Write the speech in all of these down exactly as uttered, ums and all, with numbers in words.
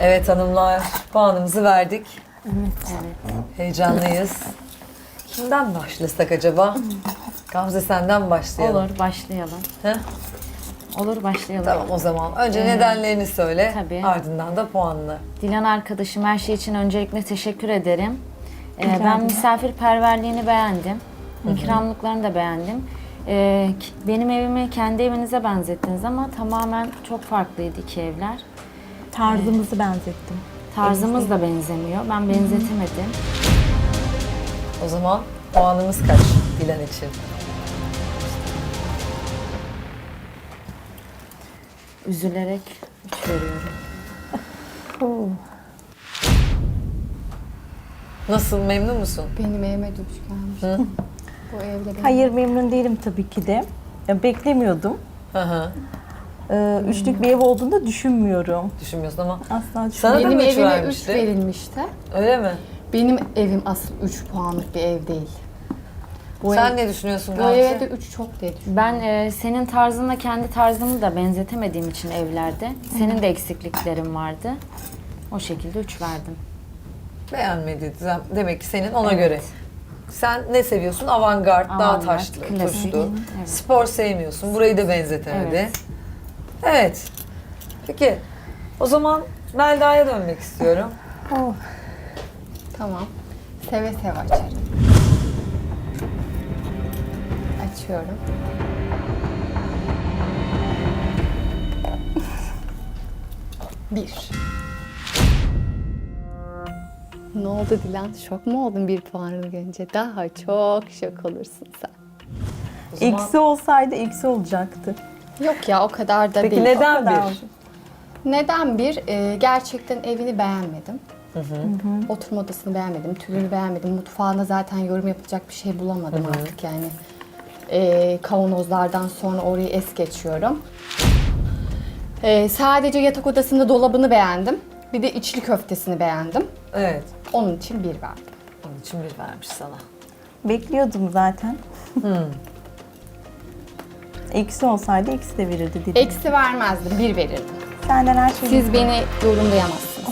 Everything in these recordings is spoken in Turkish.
Evet hanımlar, puanımızı verdik. Evet. Heyecanlıyız. Kimden başlasak acaba? Gamze senden başlayalım. Olur, başlayalım. Heh, Olur, başlayalım. tamam o zaman. Önce Ee, nedenlerini söyle, tabii. ardından da puanını. Dilan arkadaşım, her şey için öncelikle teşekkür ederim. Ee, ben misafirperverliğini beğendim. İkramlıklarını da beğendim. Ee, k- benim evimi kendi evinize benzettiniz ama tamamen çok farklıydı iki evler. Tarzımızı benzettim. Tarzımız da benzemiyor. Ben benzetemedim. O zaman puanımız kaç Dilan için? Üzülerek üç veriyorum. Nasıl, memnun musun? Benim evime düş gelmiş. Bu evde benim. Hayır, memnun değilim tabii ki de. Ya, beklemiyordum. Hı hı. Ee, üçlük bir ev olduğunu da düşünmüyorum. Düşünmüyorsun ama. Asla Sana düşünmüyorum. da Benim mı üç evime üç vermişti? verilmişti. Öyle mi? Benim evim asıl üç puanlık bir ev değil. Bu Sen ev, ne düşünüyorsun bu Gamze? eve de üç çok diye düşünüyorum. Ben e, senin tarzınla kendi tarzımı da benzetemediğim için evlerde. Senin de eksikliklerin vardı. O şekilde üç verdim. Beğenmedi demek ki senin ona Evet. göre. Sen ne seviyorsun? Avantgard, daha Avantgard, taşlı, klasik. tuşlu. Evet. Spor sevmiyorsun. Burayı da benzetemedi. Evet. Evet. Peki. O zaman Melda'ya dönmek istiyorum. Oh, Tamam. Seve seve açarım. Açıyorum. Bir. Ne oldu Dilan? Şok mu oldun bir puanını görünce? Daha çok şok olursun sen. O zaman- eksi olsaydı eksi olacaktı. Yok ya, o kadar da Peki değil. neden O kadar. bir? Neden bir? Ee, gerçekten evini beğenmedim. Oturma odasını beğenmedim, tülünü beğenmedim. Mutfağına zaten yorum yapacak bir şey bulamadım artık yani. Ee, kavanozlardan sonra orayı es geçiyorum. Ee, sadece yatak odasında dolabını beğendim. Bir de içli köftesini beğendim. Evet. Onun için bir verdim. Onun için bir vermiş sana. Bekliyordum zaten. Eksi olsaydı eksi de verirdi dedim. Eksi vermezdim, bir verirdim. Senden her şeyi... Siz beni yorumlayamazsınız.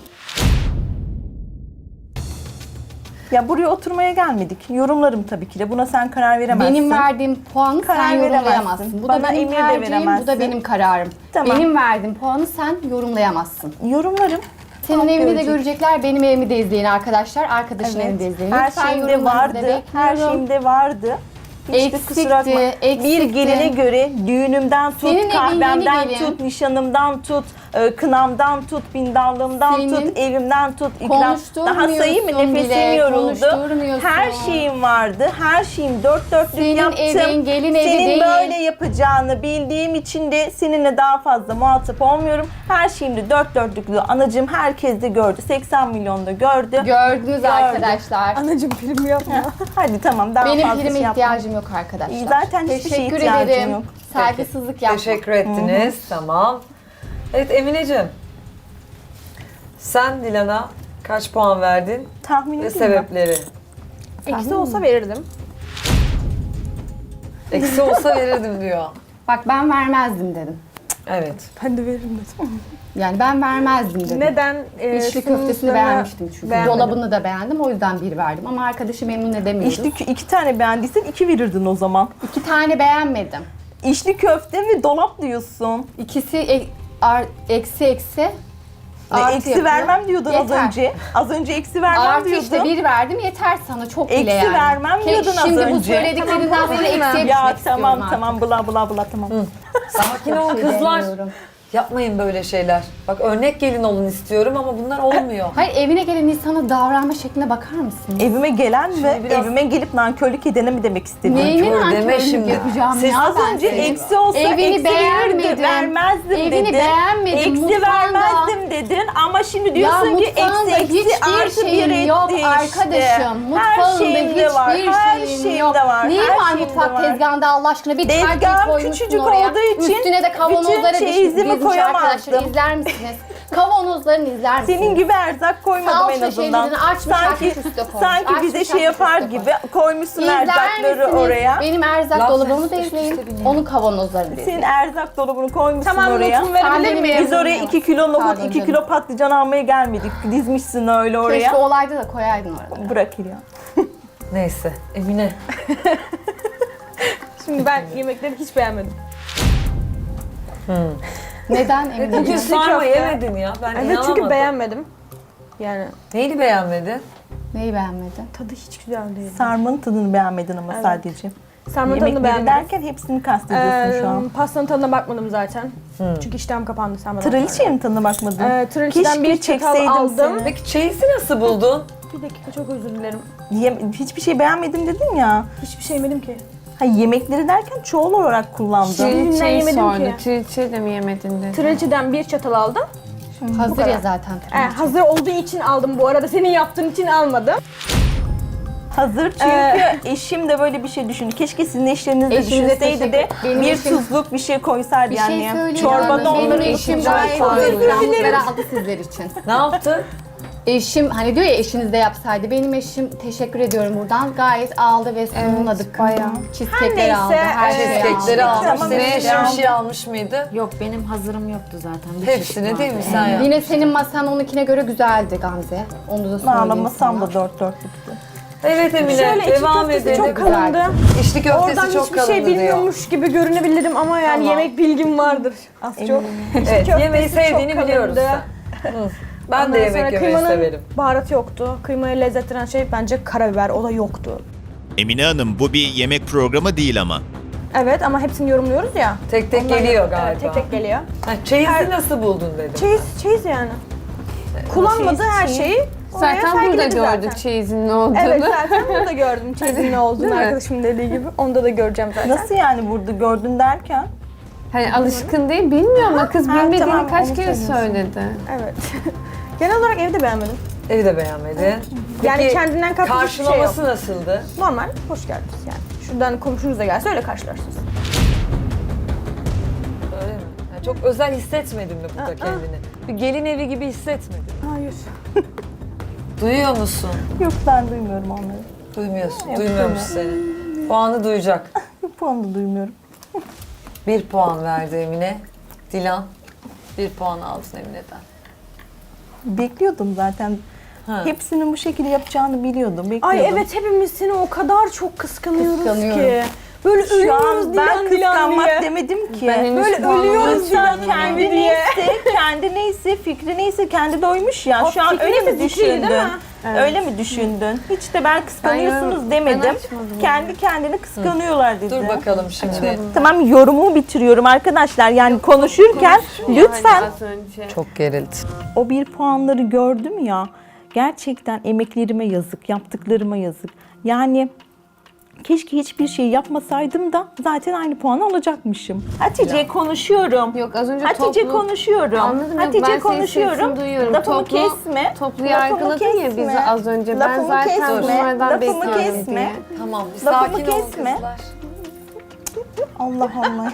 Ya buraya oturmaya gelmedik. Yorumlarım tabii ki de. Buna sen karar veremezsin. Benim verdiğim puanı Karar sen veremezsin. yorumlayamazsın. Bu Bana da benim emir de tercihim, bu da veremezsin. benim kararım. Tamam. Benim verdiğim puanı sen yorumlayamazsın. Yorumlarım. Senin Halk evini de görecek. görecekler, benim evimi de izleyin arkadaşlar. Arkadaşın Evet. evini de izleyin. Her Lütfen şeyimde yorumlarınızı da vardı. Her bekliyorum. şeyimde vardı. Hiç de Eksikti, kusura bakma. Bir eksikti. geline göre düğünümden tut, Senin evin kahvemden yeni gelin. tut, nişanımdan tut, e, kınamdan tut, bindallığımdan Senin tut, evimden tut, ikram. Daha konuşturmuyorsun sayayım mı? Nefesim bile, yoruldu. konuşturmuyorsun. Her şeyim vardı. Her şeyim dört dörtlük Senin yaptım. evin gelin evi Senin değil. böyle yapacağını bildiğim için de seninle daha fazla muhatap olmuyorum. Her şeyimde dört dörtlüklü. Anacığım herkes de gördü. seksen milyonda gördü. Gördünüz arkadaşlar. Anacığım prim yapma. Hadi tamam daha Benim fazla prime şey yapma. ihtiyacım yok arkadaşlar. İyi, zaten hiçbir şeye Teşekkür ihtiyacım ederim. yok. Saygısızlık yapma. Teşekkür ettiniz. Tamam. Evet Emineciğim. Sen Dilan'a kaç puan verdin Tahmin ve edeyim mi? sebepleri? Eksi olsa verirdim. Eksi olsa verirdim diyor. Bak ben vermezdim dedim. Evet. Ben de veririm dedim. Yani ben vermezdim dedim. Neden? Ee, İçli köftesini sunumlarına beğenmiştim çünkü. beğenmedim. Dolabını da beğendim, o yüzden bir verdim. Ama arkadaşı memnun edemiyoruz. İçli kö- iki tane beğendiysen iki verirdin o zaman. İki tane beğenmedim. İçli köfte ve dolap diyorsun. İkisi e- ar- eksi eksi. Ne, artı eksi yapıyor. vermem diyordun az Yeter. önce. Az önce eksi vermem Artı diyordun. işte bir verdim, yeter sana, çok bile Eksi yani. vermem Ke- diyordun az Şimdi bu önce. söylediklerinden sonra eksiye düşmek Ya istiyorum tamam artık. tamam bla bla bla tamam. Sakin olun şey kızlar. demiyorum. Yapmayın böyle şeyler. Bak örnek gelin olun istiyorum ama bunlar olmuyor. Hayır, evine gelen insana davranma şekline bakar mısın? Evime gelen ve biraz- evime gelip nankörlük edene mi demek istedin? Neyini Nankör deme nankörlük şimdi. yapacağım Siz ya Az ben önce seni? eksi olsa Evini eksi beğenmedim. verirdim, vermezdim Evini dedin. beğenmedim, Eksi mutfağında- vermezdim dedin ama şimdi Ya diyorsun ki mutfağında eksi eksi hiçbir artı bir şeyim etti yok işte. arkadaşım. Her Mutfağında şeyimde hiçbir var, her şeyim şeyimde yok. var, Neyin her var şeyimde mutfak var. tezgahında Allah aşkına? Bir çerkez Tezgahım koymuşsun küçücük oraya. olduğu için Üstüne de kavanozlara bütün diş çeyizimi dizmiş arkadaşlar. koyamazdım. İzler misiniz? Kavanozlarını izler misiniz? Senin gibi erzak koymadım Salça en azından. şeylerini açmış, sanki açmış üstüne koymuş. sanki Açmış, bize şey açmış yapar üstüne gibi koymuşsun İzler erzakları misiniz? oraya. Benim erzak Laf dolabımı da sesi izleyin. işte bilmiyorum. Onun kavanozlarını da Senin izleyin. erzak dolabını koymuşsun Tamam, oraya. notumu verebilir Sen miyim? benim Biz oraya Yazın iki kilo nohut, Pardon iki canım. kilo patlıcan almaya gelmedik. Dizmişsin öyle oraya. Keşke olaydı da koyaydın orada. Bırak ya. Neyse Emine. Şimdi ben yemekleri hiç beğenmedim. Neden emin Bugün değilim. sarma köfte. yemedin ya. Ben Evet inanamadım. çünkü beğenmedim. Yani Neyini beğenmedin? Neyi beğenmedin? tadı hiç güzel değil. Sarmanın tadını beğenmedin ama Evet. sadece. Sarmanın tadını Yemekleri beğenmedim. derken hepsini kastediyorsun Ee, şu an. pastanın tadına bakmadım zaten. Çünkü iştahım kapandı sarmadan Traliçeye mi tadına bakmadın? sonra. Ee, Traliçeden Keşke bir çatal çekseydim aldım. seni. Peki çeyizi nasıl buldun? Bir dakika çok özür dilerim. Yem- hiçbir şey beğenmedim dedin ya. Hiçbir şey yemedim ki. Ha, yemekleri derken çoğul olarak kullandın. Trilçeyi Trilçeyi yemedim sordu. ki. Trilçeyi de mi yemedin dedi. Traliçeden bir çatal aldım. Hazır ya zaten. Ee, hazır olduğu için aldım bu arada. Senin yaptığın için almadım. Hazır çünkü Ee, eşim de böyle bir şey düşündü. Keşke sizin eşleriniz de Eşinize düşünseydi teşekkür- de Benim bir eşim- tuzluk bir şey koysaydı Bir yani. şey söyleyeyim. Çorbada Benim onların eşim için gayet gayet ikramlıkları aldı sizler için. Ne yaptın? Eşim hani diyor ya eşiniz de yapsaydı. Benim eşim teşekkür ediyorum buradan. Gayet aldı ve sunumladık. bayağı. Cheesecake'leri aldı. neyse, Her şeyi aldı. Cheesecake'leri almış. Tamam, Senin evet, eşin bir aldım. şey almış mıydı? Yok benim hazırım yoktu zaten. Bir çeşit Hepsini vardı. değil mi sen ya? Yine senin masan onunkine göre güzeldi Gamze. Onu da söyleyeyim Valla masam sana. da dört dörtlüktü. Evet Emine Şöyle içli devam köftesi edelim. çok kalındı. İçli köftesi Oradan çok hiçbir kalındı şey diyor. bilmiyormuş gibi görünebilirim ama yani Tamam. yemek bilgim vardır az çok. Evet Köftesi yemeği çok sevdiğini kalındı. biliyoruz sen. Hı. Ben de Ondan yemek sonra yemeyi kıymanın severim. baharatı yoktu. Kıymayı lezzetlendiren şey bence karabiber. O da yoktu. Emine Hanım bu bir yemek programı değil ama. Evet ama hepsini yorumluyoruz ya. Tek tek Ondan- geliyor Evet, galiba. tek tek geliyor. Ha, çeyizi nasıl buldun dedim. Çeyiz, çeyiz yani. Kullanmadı her şeyi. Oraya Zaten burada sergiledi gördük zaten. çeyizin ne olduğunu. Evet zaten burada gördüm çeyizin ne olduğunu Değil mi? arkadaşımın dediği gibi. Onda da göreceğim zaten. Nasıl yani burada gördün derken? Hani alışkın değil, bilmiyor ama kız Ha, bilmediğini tamam, kaç onu kere söylüyorsun. söyledi. Evet. Genel olarak evde beğenmedim. Evi de beğenmedin. Yani Peki, kendinden katlı hiçbir şey yok. karşılaması nasıldı? Normal, hoş geldiniz yani. Şuradan komşunuz da gelse öyle karşılarsınız. Öyle mi? Yani çok özel hissetmedin mi burada Aa. kendini? Bir gelin evi gibi hissetmedin mi? Hayır. Duyuyor musun? Yok ben duymuyorum onları. Duymuyorsun. Yok, Duymuyormuş seni. Puanı duyacak. Bir puan da duymuyorum. Bir puan verdi Emine. Dilan bir puan aldın Emine'den. Bekliyordum zaten. Ha. Hepsinin bu şekilde yapacağını biliyordum. Bekliyordum. Ay evet hepimiz seni o kadar çok kıskanıyoruz Kıskanıyorum. ki. Böyle Şu ölüyoruz an Dilan ben Dilan kıskanmak diye. demedim ki. Ben henüz Böyle puanımı ölüyoruz Lütfen Dilan kendi diye. neyse, kendi neyse, fikri neyse kendi doymuş ya. O Şu an fikri öyle mi neyse fikriydi, düşündün? değil mi? Öyle mi düşündün? Hiç de ben kıskanıyorsunuz Ben demedim. açmadım Kendi kendini kıskanıyorlar dedi. Dur bakalım şimdi. Tamam yorumumu bitiriyorum arkadaşlar. Yani konuşurken lütfen. Yani az önce. Çok gerildi. O bir puanları gördüm ya. Gerçekten emeklerime yazık, yaptıklarıma yazık. Yani keşke hiçbir şey yapmasaydım da zaten aynı puanı alacakmışım. Hatice konuşuyorum. Yok az önce Hatice toplu... konuşuyorum. Anladım, yok, Hatice ben senin konuşuyorum. sesini duyuyorum. Lafımı Toplu- kesme. Toplu Lafımı yargıladın ya kesme. bizi az önce. Ben Lafımı zaten kesme. bunlardan Lafımı bekliyorum kesme. diye. Tamam bir Lafımı sakin olun kesme. kızlar. Allah Allah.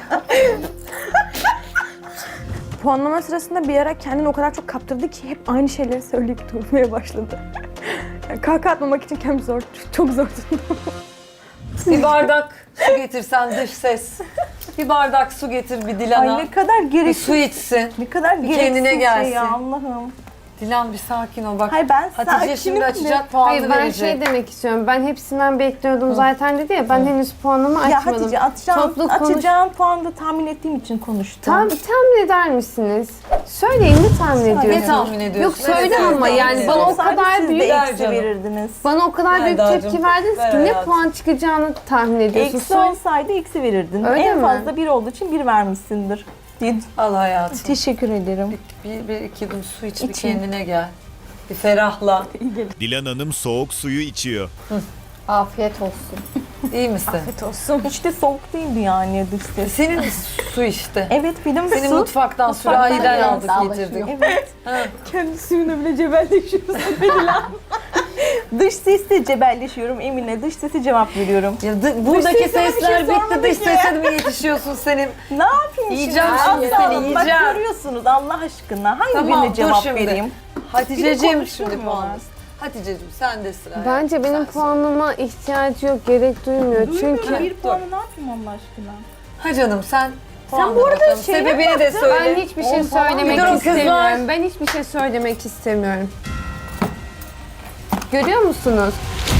Puanlama sırasında bir ara kendini o kadar çok kaptırdı ki hep aynı şeyleri söyleyip durmaya başladı. Yani kahkaha atmamak için kendimi zor, çok zor tuttum. Bir bardak su getirsen dış ses. Bir bardak su getir bir Ay Dilan'a. ne kadar Bir gereksiz. su içsin. Ne kadar Bir gereksiz kendine şey gelsin. ya Allah'ım. Dilan bir sakin ol bak. Hayır ben Hatice sakinim şimdi de. açacak puanını Hayır ben verecek. şey demek istiyorum. Ben hepsinden bekliyordum zaten dedi ya. Ben henüz puanımı Ya açmadım. Hatice atacağım, Toplu konuş- atacağım puanı da tahmin ettiğim için konuştum. Tam tahmin eder misiniz? Söyleyin ne tahmin Söyle. Ne ediyorsunuz? tahmin ediyorsun? Yok söyle Evet, ama evet, yani evet. bana o Olsaydı kadar siz büyük de Ver eksi canım. verirdiniz. bana o kadar büyük Ver tepki Dacığım, verdiniz ver ki ne hayatım. puan çıkacağını tahmin ediyorsunuz. Eksi Söyle. olsaydı eksi verirdin. Öyle en mi? fazla bir olduğu için bir vermişsindir. diye- Al hayatım. Teşekkür ederim. Bir, bir, bir iki yudum su iç bir İçeyim. kendine gel. Bir ferahla. Dilan Hanım soğuk suyu içiyor. Afiyet olsun. İyi misin? Afiyet olsun. Hiç de soğuk değildi yani dış ses. Senin su işte. Evet benim Senin su. mutfaktan, Mutfaktan sürahiden geldi, aldık getirdik. Evet. Kendi suyuna bile cebelleşiyorsun Dilan. Dış sesle cebelleşiyorum Emine. Dış sese cevap veriyorum. Ya dı- buradaki sesine bir şey sesler bitti. sormadık Dış ya. sese mi yetişiyorsun senin? Ne yapayım Yiyeceğim şimdi? şimdi Allah seni, Allah, yiyeceğim. Bak görüyorsunuz Allah aşkına. Hangi Tamam, birine dur cevap şimdi. vereyim? Hatice'ciğim Biri şimdi konuşturmuyorlar. puan. Hatice'ciğim sen de sıra. Bence benim puanıma ihtiyacı yok, gerek duymuyor. Duymuyorum, Çünkü bir puanı ne yapayım Allah aşkına? Ha canım sen Sen bu arada bakalım. şey mi Sebebini de yaptın? söyle. ben hiçbir şey On puan. söylemek Bir durun kızlar. istemiyorum. Ben hiçbir şey söylemek istemiyorum. Görüyor musunuz?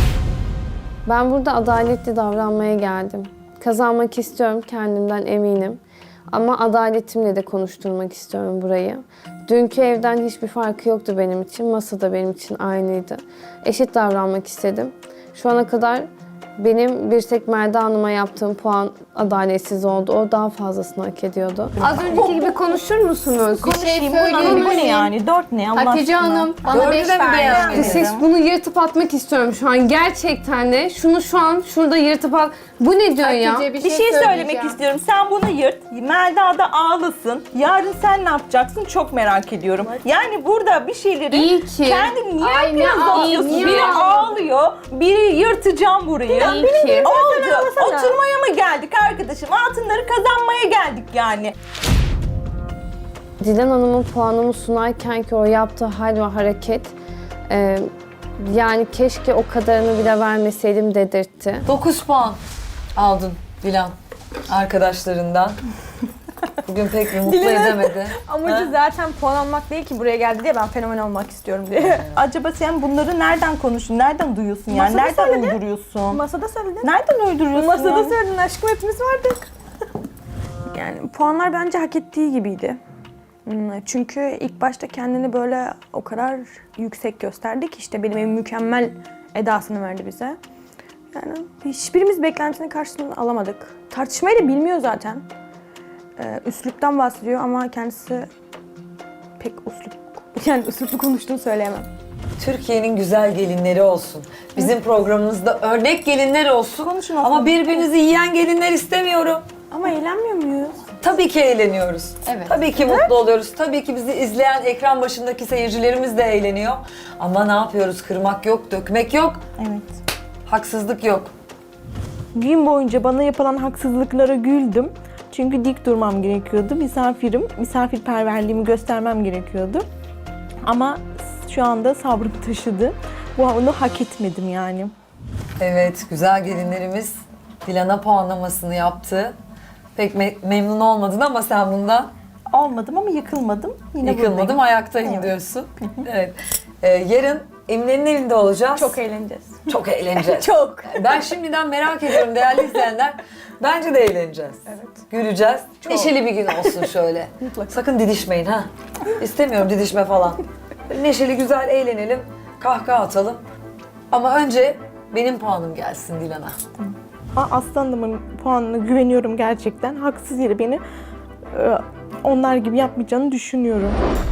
Ben burada adaletli davranmaya geldim. Kazanmak istiyorum, kendimden eminim. Ama adaletimle de konuşturmak istiyorum burayı. Dünkü evden hiçbir farkı yoktu benim için. Masa da benim için aynıydı. Eşit davranmak istedim. Şu ana kadar benim bir tek Melda Hanım'a yaptığım puan adaletsiz oldu. O daha fazlasını hak ediyordu. Az önceki gibi konuşur musunuz? Konuşayım. Bu söyleyeyim ne, bu ne mi? yani? Dört ne Allah Hatice aşkına? Hanım bana Dördü beş de mi verdi. beğenmedin? Siz bunu yırtıp atmak istiyorum şu an. Gerçekten de şunu şu an şurada yırtıp at. Bu ne diyor ya? Hatice Bir şey söylemek istiyorum. Sen bunu yırt. Melda da ağlasın. Yarın sen ne yapacaksın çok merak ediyorum. Yani burada bir şeyleri İyi ki. kendin niye Ay, ne biraz ağ- atıyorsun? niye Biri ağ- ağlıyor, biri yırtacağım burayı. İyi ki. Oldu. Oturmaya mı geldik arkadaşım? Altınları kazanmaya geldik yani. Dilan Hanım'ın puanımı sunarken ki o yaptığı hal ve hareket e, yani keşke o kadarını bile vermeseydim dedirtti. dokuz puan aldın Dilan arkadaşlarından. Bugün pek bir mutlu edemedi. Amacı zaten puan almak değil ki buraya geldi diye ben fenomen olmak istiyorum diye. Acaba sen bunları nereden konuştun? Nereden duyuyorsun yani? Masada Nereden söyledi. uyduruyorsun? Masada söyledin. Nereden uyduruyorsun? Masada ya? söyledin aşkım, hepimiz vardık. Yani puanlar bence hak ettiği gibiydi. Hmm, Çünkü ilk başta kendini böyle o kadar yüksek gösterdi ki işte benim evim mükemmel edasını verdi bize. Yani hiçbirimiz beklentisinin karşılığını alamadık. Tartışmayı da bilmiyor zaten. Ee, üsluptan bahsediyor ama kendisi pek uslup, yani üsluplu konuştuğunu söyleyemem. Türkiye'nin güzel gelinleri olsun. Bizim programımızda örnek gelinler olsun. Konuşun Ama aslında. birbirinizi yiyen gelinler istemiyorum. Ama eğlenmiyor muyuz? Tabii ki eğleniyoruz. Evet. Tabii ki mutlu oluyoruz. Tabii ki bizi izleyen ekran başındaki seyircilerimiz de eğleniyor. Ama ne yapıyoruz? Kırmak yok, dökmek yok, Evet. haksızlık yok. Gün boyunca bana yapılan haksızlıklara güldüm. Çünkü dik durmam gerekiyordu. Misafirim, misafirperverliğimi göstermem gerekiyordu. Ama şu anda sabrım taşıdı. Bu onu hak etmedim yani. Evet, güzel gelinlerimiz Dilan'a puanlamasını yaptı. Pek me- memnun olmadın ama sen bundan Olmadım ama yıkılmadım. Yine yıkılmadım, buradayım. ayaktayım Evet. diyorsun. Evet. Ee, yarın Emine'nin evinde olacağız. Çok eğleneceğiz. Çok eğleneceğiz. Çok. Ben şimdiden merak ediyorum değerli izleyenler. Bence de eğleneceğiz. Evet. Güleceğiz. Neşeli bir gün olsun şöyle. Sakın didişmeyin ha. İstemiyorum didişme falan. Böyle neşeli güzel eğlenelim. Kahkaha atalım. Ama önce benim puanım gelsin Dilan'a. Aa, Aslanımın puanına güveniyorum gerçekten. Haksız yere beni e, onlar gibi yapmayacağını düşünüyorum.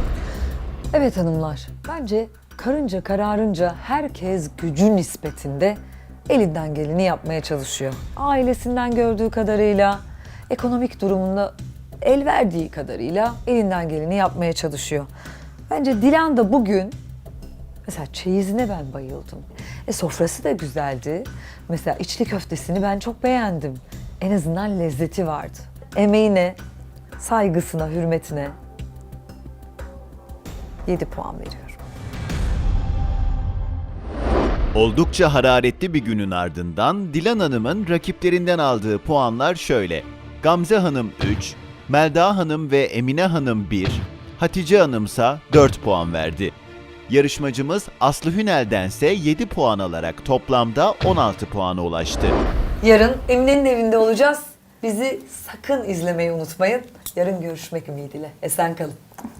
Evet hanımlar. Bence karınca kararınca herkes gücü nispetinde elinden geleni yapmaya çalışıyor. Ailesinden gördüğü kadarıyla, ekonomik durumunda el verdiği kadarıyla elinden geleni yapmaya çalışıyor. Bence Dilan da bugün, mesela çeyizine ben bayıldım. E sofrası da güzeldi. Mesela içli köftesini ben çok beğendim. En azından lezzeti vardı. Emeğine, saygısına, hürmetine yedi puan veriyorum. Oldukça hararetli bir günün ardından Dilan Hanım'ın rakiplerinden aldığı puanlar şöyle. Gamze Hanım üç, Melda Hanım ve Emine Hanım bir, Hatice Hanımsa dört puan verdi. Yarışmacımız Aslı Hünel'dense yedi puan alarak toplamda on altı puana ulaştı. Yarın Emine'nin evinde olacağız. Bizi sakın izlemeyi unutmayın. Yarın görüşmek ümidiyle. Esen kalın.